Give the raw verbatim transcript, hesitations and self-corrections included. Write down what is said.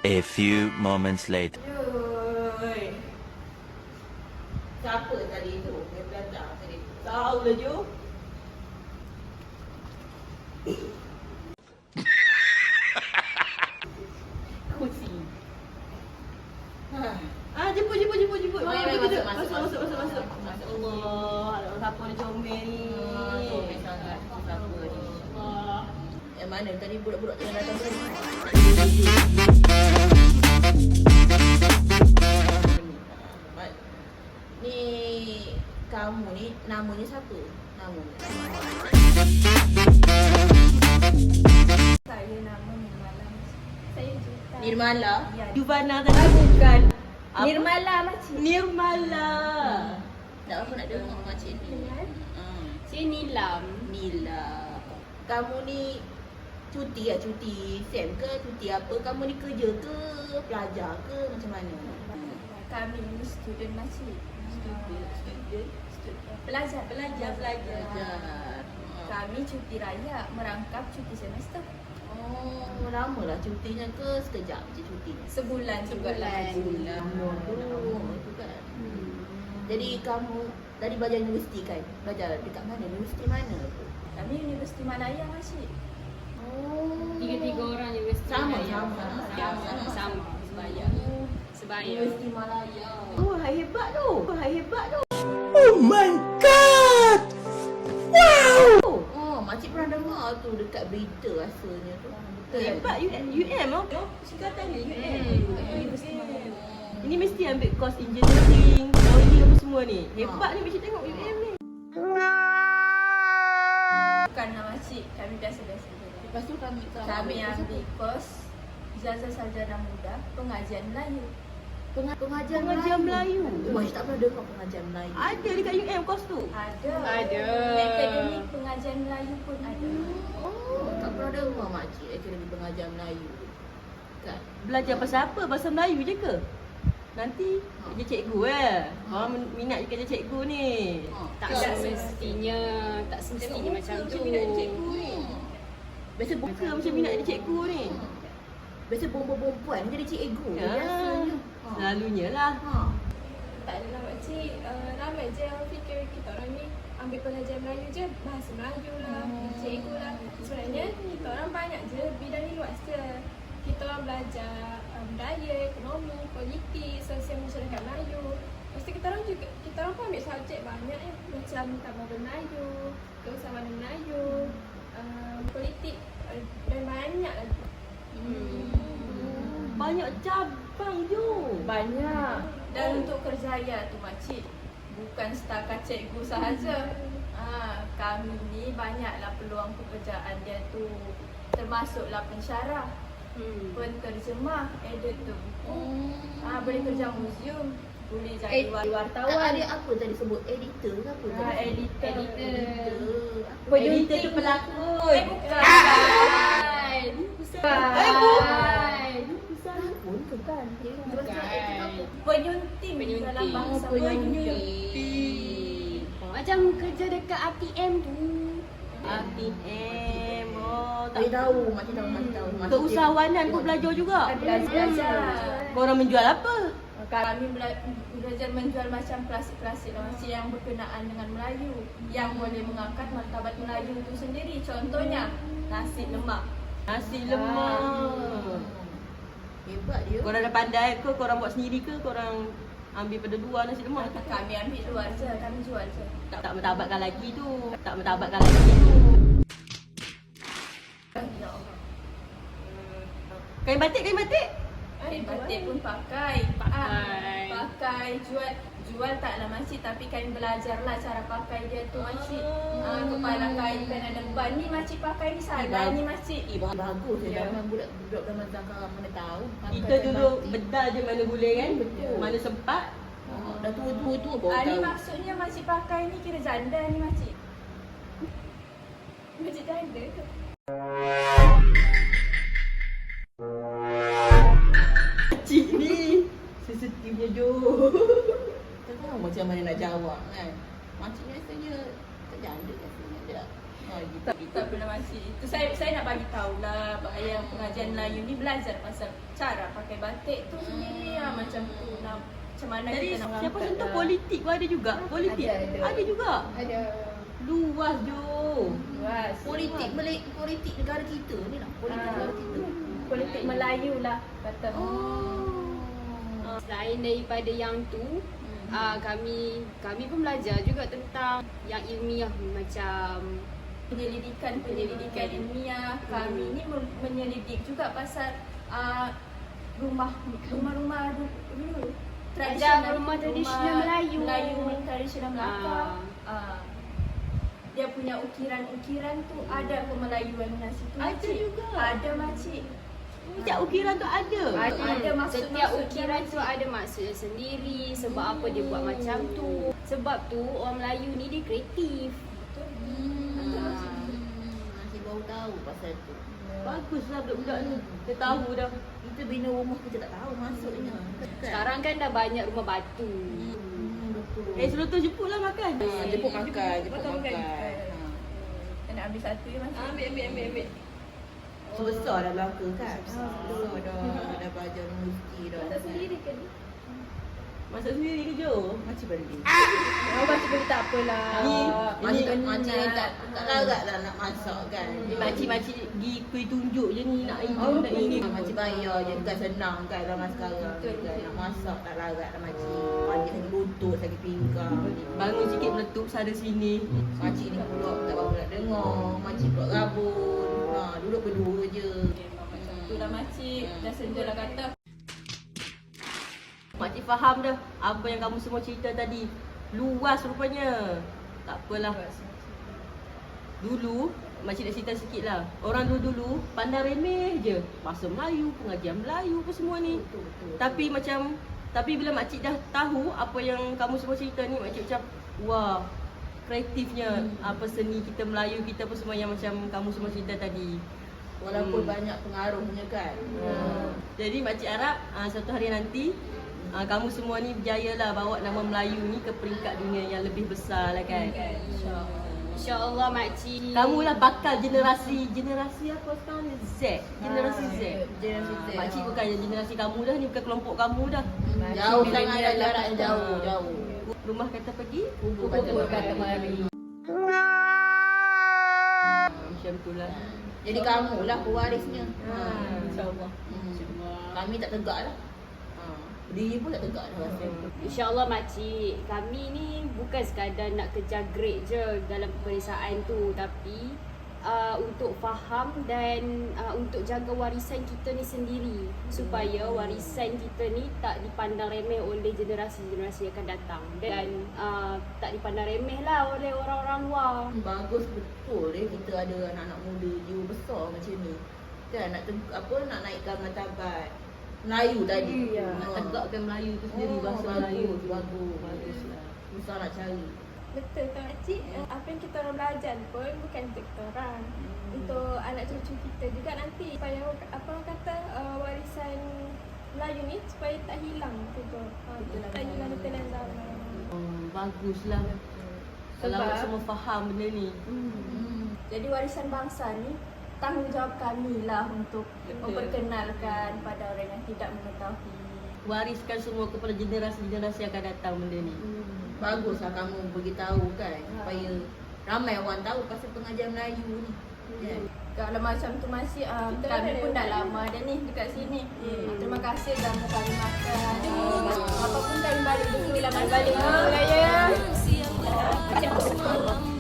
A few moments later. Oi. Siapa tadi tu? Dia belajar tadi. Tahu lah Ju. Kursi. Ha. Ah, jemput, jemput, jemput, jemput. Mari, mari, Masuk, masuk, masuk, masuk, masuk, masuk. masuk. Allah, ada siapa ni comel ni? Ah, comel sangat. Siapa ni? Allah. Yang mana tadi budak-budak tengah datang tadi? Ni kamu ni namanya siapa? Nama. Saya nama Nirmala. Saya Juta. Nirmala. Ya. Yuvana tadi bukan. Apa? Nirmala makcik. Nirmala. Tak apa nak dengar makcik ni. Kenal? Hmm. Saya Nilam. Nila. Kamu ni cuti lah, cuti SEM ke, cuti apa? Kamu ni kerja ke, pelajar ke, macam mana? Kami ni student makcik. Student, student, Student. Pelajar, pelajar, pelajar. pelajar. Kami cuti raya merangkap cuti semester. Oh, lama lah cutinya ke sekejap je cuti? Sebulan jugalah. Bulan. Oh, itu kan. Jadi kamu tadi belajar universiti kan? Belajar dekat mana? Universiti mana tu? Kami Universiti Malaya makcik. Oh. Tiga-tiga orang universiti Sama, Malaya. sama. Sama, sama. Sebaya. Sebaya. Universiti Malaya. Oh, hai hebat tu. Oh, hai hebat tu. Oh, makcik pernah dengar tu dekat berita rasanya tu. Betul. Hebat U M, U M oh. Singkatan dia U M. Hmm. Universiti Malaya. Ini mesti ambil course engineering, lawyer apa semua ni. Hebat ni macam tengok U M ni. Bukan lah makcik. Kami biasa-biasa je. Lepas tu kami Kami ambil kos Ijazah Sarjana Muda Pengajian Melayu. Penga- pengajian, Pengajian Melayu. Oh, makcik tak pernah dengar pengajian Melayu. Ada dekat U M course tu. Ada. Ada. Akademi Pengajian Melayu pun ada. Oh, tak pernah dengar makcik akademi pengajian Melayu. Kan? Belajar pasal apa? Bahasa Melayu je ke? Nanti kerja cikgu eh. Orang minat je kerja cikgu ni. Ha. Tak Kan? semestinya, tak semestinya Tengok macam muka tu. macam minat cikgu ni. Biasa Buka buka macam minat jadi cikgu ni. Biasa perempuan-perempuan jadi cikgu. Ya. Biasanya. Ha. Selalunya lah. Ha. Tak adalah makcik, uh, ramai je yang fikir kita orang ni ambil pengajian Melayu je, bahasa Melayu lah, Hmm. cikgu lah. Sebenarnya kita orang banyak je bidang ni luas je. Kita orang belajar uh, budaya, ekonomi, politik, sosial masyarakat Melayu. Lepas tu kita orang juga, kita orang pun ambil subjek banyak ya, macam Taman Melayu, Keusahawanan Melayu, uh, politik uh, dan banyak lagi. Hmm. Banyak cabang je. Banyak. Dan untuk kerjaya tu makcik, bukan setakat cikgu sahaja. Ha, kami ni banyaklah peluang pekerjaan dia tu. Termasuklah pensyarah, Hmm. penterjemah, editor buku. Hmm. Ha, boleh kerja museum, boleh jadi Eh, wartawan. Ada apa tadi sebut editor ke apa? Ha, tadi? editor. Editor. Editor tu pelakon. Eh, bukan. Eh, bukan. Pun ke kan? Bukan. Penyunting Penyunting. dalam bahasa Oh, Melayu. penyunting. Macam kerja dekat R T M tu. R T M. Oh, Makcik tak tahu, makcik tahu, makcik tahu. Makcik Keusahawanan kau tengok- belajar juga. Belajar. Korang menjual apa? Kami bela- belajar menjual macam klasik-klasik masih yang berkenaan dengan Melayu, yang boleh mengangkat martabat Melayu itu sendiri. Contohnya nasi lemak. Nasi lemak. Hebat dia. Korang dah pandai ke? Korang buat sendiri ke? Korang ambil pada luar nasi lemak tu? Kami ambil luar je, kami jual je. Tak, tak bertabatkan lagi tu. Tak bertabatkan lagi tu. Ya Allah. Kain batik, kain batik. Kain batik pun pakai. Pakai. Ah, pakai, jual. Jual taklah makcik, tapi kami belajarlah cara pakai dia tu makcik. Ah, kepala kain kan ada ban ni makcik pakai ni salah ni makcik. Eh, bah- bagus ya. Ya. Zaman budak-budak zaman sekarang mana tahu. Kita dulu bedal je mana boleh kan? Betul. Mana sempat. Oh, dah tua-tua tu baru Ah, ni tahu. maksudnya makcik pakai ni kira janda ni makcik. Makcik janda ke? Cik ni sensitifnya Jo. Tak tahu macam mana nak jawab kan. Makcik biasanya tak janda biasanya dia. Ha, gitu. Tak, tak pernah makcik. Itu saya saya nak bagi tahulah yang pengajian Melayu ni belajar pasal cara pakai batik tu sendiri lah, macam tu nak macam mana Jadi kita nak siapa angkat sentuh lah. politik pun ada juga. Politik Ada, ada. ada juga. Ada. Luas Jo. Luas. Politik Malay, politik negara kita ni lah. Politik Ah. negara kita. Politik Melayu lah kata. Uh, Selain daripada yang tu, uh, kami kami pun belajar juga tentang yang ilmiah macam Penyelidikan penyelidikan ilmiah kami ni men- menyelidik juga pasal uh, rumah rumah-rumah du- dulu Ada rumah tradisional Melayu. Melayu tradisional Melaka. Ah. Uh, dia punya ukiran-ukiran tu ada kemelayuan nasi tu. Ada makcik. juga. Ada makcik. Setiap ukiran tu ada. Ada, ada Hmm, maksud setiap maksud ukiran dia, tu ada maksudnya sendiri. Sebab apa dia buat macam tu. Sebab tu orang Melayu ni dia kreatif. Hmm. Masih baru tahu pasal tu. Baguslah budak-budak ni. Dia tahu dah. Kita bina rumah kita tak tahu maksudnya. Sekarang kan dah banyak rumah batu. Hmm, betul. Eh sebelum tu jemputlah makan. Ha, jemput makan, jemput Makan, makan. makan. Ha. Kita nak ambil satu je makcik. Ambil ambil ambil ambil. Sebesar dah belaka kan? Sebesar dah. Dah belajar universiti dah. Tak sendiri ke? Masak sendiri ke Jo? Macam beli. Oh, makcik boleh tak apalah. Ni Macam ini macam yang tak tak larat lah nak masak kan. Ni makcik-makcik pergi kuih tunjuk je ni nak ini Oh, nak ini. macam bayar je kan senang kan zaman sekarang Betul, kan. betul. Nak masak tak larat lah makcik. Makcik sakit lutut, sakit pinggang. Bangun sikit meletup sana sini. Makcik ni pula tak apa nak dengar. Makcik pula rabun. Ha, duduk berdua je. Macam tu lah makcik. Dah senja lah kata. Makcik faham dah apa yang kamu semua cerita tadi. Luas rupanya. Tak apalah. Dulu, makcik nak cerita sikit lah. Orang dulu-dulu pandang remeh je. Bahasa Melayu, pengajian Melayu apa semua ni. Betul, betul. Tapi macam, tapi bila makcik dah tahu apa yang kamu semua cerita ni, makcik macam, wah, kreatifnya apa seni kita Melayu kita apa semua yang macam kamu semua cerita tadi. Walaupun Hmm. banyak pengaruhnya kan. Hmm. Jadi makcik harap uh, suatu hari nanti uh, kamu semua ni berjaya lah bawa nama Melayu ni ke peringkat dunia yang lebih besar lah kan. InsyaAllah makcik. Kamu lah bakal generasi, generasi apa sekarang ni? Z, generasi Z. Generasi Z. Makcik bukan generasi kamu dah ni, bukan kelompok kamu dah. Jauh sangat dah jarak yang jauh, jauh. Rumah kata pergi, Kubur kubur kata kata mari. mari. Macam tu lah. Jadi kamu lah pewarisnya. Ha, InsyaAllah. Hmm. Kami tak tegak lah. Ha. Diri pun tak tegak dah rasa. InsyaAllah makcik, kami ni bukan sekadar nak kejar grade je dalam peperiksaan tu, tapi uh, untuk faham dan uh, untuk jaga warisan kita ni sendiri, supaya warisan kita ni tak dipandang remeh oleh generasi-generasi yang akan datang, dan uh, tak dipandang remeh lah oleh orang-orang luar. Bagus betul eh kita ada anak-anak muda jiwa besar macam ni. Kan nak teg- apa nak naikkan martabat Melayu tadi. Ya, nak Ha. tegakkan Melayu tu sendiri, Oh, bahasa bagus, Melayu. bagus. Baguslah. Susah nak cari. Betul tak makcik? Apa yang kita orang belajar pun bukan untuk kita orang. Untuk anak cucu kita juga nanti. Supaya apa orang kata uh, warisan Melayu ni supaya tak hilang juga. Uh, tak hilang di tengah zaman. Oh, baguslah. Kalau Sebab- awak semua faham benda ni. Hmm. Jadi warisan bangsa ni tanggungjawab kami lah untuk Betul. memperkenalkan pada orang yang tidak mengetahui. Wariskan semua kepada generasi-generasi yang akan datang benda ni. Baguslah kamu beritahu kan supaya ramai orang tahu pasal pengajian Melayu ni. Kan? Kalau macam tu masih uh, Kita kami ada pun dah lewat. lama dah ni dekat sini. Hmm. Terima kasih jamu kami makan. Uh, apa pun kami balik dulu lah balik. Balik dulu lah ya. Macam